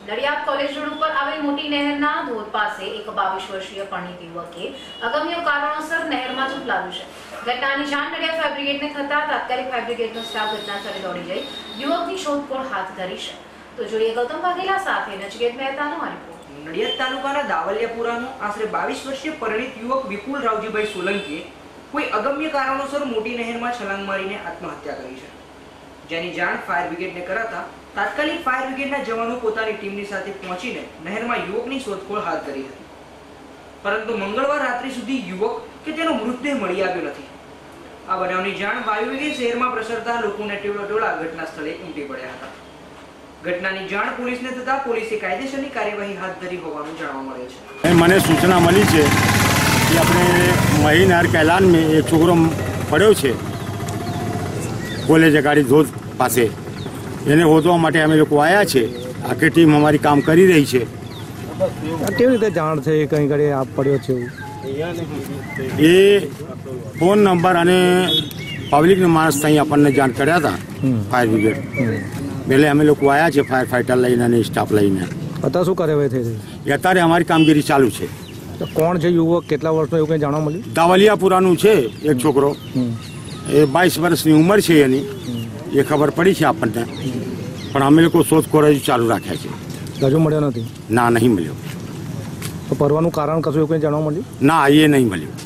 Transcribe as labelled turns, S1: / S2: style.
S1: Nadiad college road ઉપર આવેલ મોટી નહેરના ધોધ પાસે એક 22 વર્ષીય પરિણીત યુવકે અગમ્ય કારણોસર નહેરમાં ઝૂંપલાવ્યું છે। ઘટનાની જાણ નડિયાદ ફાયર બ્રિગેડને થતા તાત્કાલિક ફાયર બ્રિગેડનો સ્ટાફ ઘટનાસ્થળે દોડી જઈ યુવકની શોધખોળ હાથ ધરી છે। તો જોઈએ ગૌતમ વાઘેલા સાથે નચકેત મહેતાનો આ રિપોર્ટ।
S2: નડિયાદ તાલુકાના દાવલિયાપુરાનો આશરે 22 વર્ષીય પરિણીત યુવક વિપુલ રાવજીભાઈ સોલંકીએ કોઈ અગમ્ય કારણોસર મોટી નહેરમાં છલાંગ મારીને આત્મહત્યા કરી છે, જેની જાણ ફાયર બ્રિગેડને કરાતા તાત્કાલિક ફાયર બ્રિગેડના જવાનો પોતાની ટીમની સાથે પહોંચીને નહેરમાં યુવકની શોધખોળ હાથ ધરી હતી, પરંતુ મંગળવાર રાત્રે સુધી યુવક કે તેનો મૃતદેહ મળી આવ્યો નથી। આ બનાવની જાણ વાયુવેગે શહેરમાં પ્રસરતા લોકોને ટોળા ઘટના સ્થળે ઉમટી પડ્યા હતા। ઘટનાની જાણ પોલીસને થતા પોલીસે કાયદેસરની કાર્યવાહી હાથ ધરી હોવાનું જાણવા મળે છે।
S3: મને સૂચના મળી છે કે આપણે મહીનગર कैलान में एक છોકરો પડ્યો છે કોલેજ ગાડી ધોધ પાસે, એને શોધવા માટે અમે લોકો આવ્યા છે। આખી ટીમ અમારી કામ કરી રહી છે।
S4: કેવી રીતે જાણ છે કઈ ઘડી આપ પડ્યો છે?
S3: એ ફોન નંબર અને પબ્લિકના માણસ ત્યાં આપણને જાણ કર્યા હતા ફાયર બ્રિગેડ। એટલે અમે લોકો આવ્યા છે ફાયર ફાઈટર લઈને અને સ્ટાફ લઈને।
S4: અત્યારે શું કાર્યવાહી થઈ રહી?
S3: અત્યારે અમારી કામગીરી ચાલુ છે।
S4: તો કોણ છે યુવક, કેટલા વર્ષનો એવું કંઈ જાણવા મળ્યું?
S3: દાવલિયાપુરાનું છે એક છોકરો, એ 22 વર્ષની ઉંમર છે એની, એ ખબર પડી છે આપણને, પણ અમે લોકો શોધખોળ હજુ ચાલુ રાખ્યા છે।
S4: હજુ મળ્યો નથી?
S3: ના, નહીં મળ્યો।
S4: તો પરવાનું કારણ કશું એવું કંઈ જાણવા મળ્યું?
S3: ના, એ નહીં મળ્યું।